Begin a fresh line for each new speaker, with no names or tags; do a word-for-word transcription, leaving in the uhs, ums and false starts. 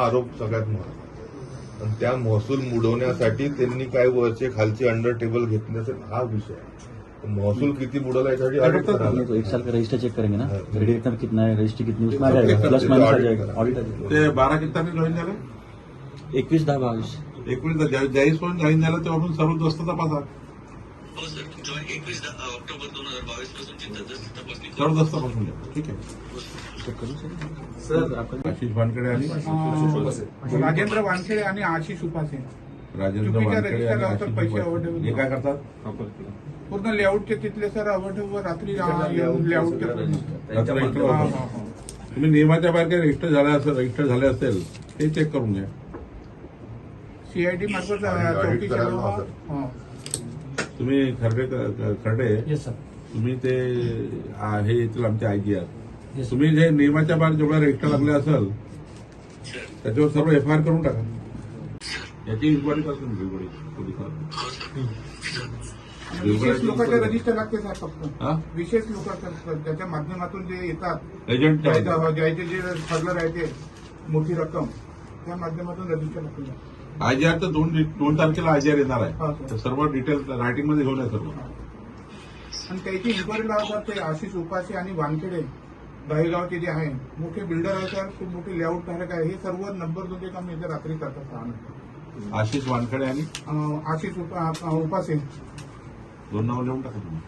आरोप सगळ्यात महत्त्वाचा. आणि त्या महसूल बुडवण्यासाठी त्यांनी काय वरचे खालचे अंडर टेबल घेतले असेल हा विषय आहे. महसूल किती बुडवला यासाठी ऑडिट करायला
तो एक साल का रजिस्टर चेक करेंगे ना, क्रेडिट एकदम कितना है, रजिस्ट्री कितनी उसमें आ
सब
जाएगा,
check
प्लस
करते
माइनस आ
audit
जाएगा,
करा.
ऑडिट आ जाएगा.
ते बारा किती तारीख जॉईन झालं?
एकवीस दहा बावीस
एकवीस ज्यावेळेस पण जॉईन झालं तेव्हापासून सर्व दस्त तपासा.
हो सर, जॉईन एकवीस ऑक्टोबर दोन हजार बावीस पासूनची तपासणी
सर्व दस्त तपासून द्या. ठीक आहे.
चेक करू सर आपण
आशिष वानखेडे आणि
राजेंद्र वानखेडे आणि आशिष उपासे
राजेंद्र
चुकीच्या
वानखेडे आणि
रजिस्टरला
आशिष
तर पैसे
उपाध्ये.
आवडले.
हे काय करतात?
पूर्ण लेआउटचे तिथले सर अवठव रात्री लेआउटचे
रात्री रजिस्टर वापरतात. तुम्ही नियमाच्या बाहेर काही रजिस्टर झाले असेल रजिस्टर झाले असेल ते चेक करून घ्या.
सीआयडी मार्फत
आणि audit
चौकशी
करायला
करावा.
हवं.
हा.
तुम्ही खरडे खरडे
येस सर
तुम्ही ते आ, हे येतील आमचे आयजी आर तुम्ही जे नियमाच्या बाहेर जेवढा रजिस्टर लागले असेल त्याच्यावर सर्व एफ आय आर करून टाका. याची इन्क्वायरी करतो मी बिलगुडी पोलिसात.
विशेष लोकांचे रजिस्टर लागते सर फक्त.
हा?
विशेष लोक त्याच्या माध्यमातून जे येतात
एजंट
ज्याचे ज्याचे जे ठरलं राहते मोठी रक्कम त्या माध्यमातून रजिस्टर लागते.
आयजीआर तर दोन दोन तारखेला आयजीआर येणार
हा,
आहे.
सर.
तर सर्व डिटेल रायटिंग मध्ये घेऊन या सर्व.
आणि त्याची इन्क्वायरी लावतात ते आशिष उपासे आणि वानखेडे दहेगावचे जे आहे मोठे बिल्डर आहे सर, खूप मोठे लेआउट धारक आहे. हे सर्व नंबर दोनचे काम इथे रात्री करतात सहा नंतर.
आशिष वानखेडे आणि
अं, आशिष उपा- उपासे
दोन नाव लिहून टाका तुम्ही.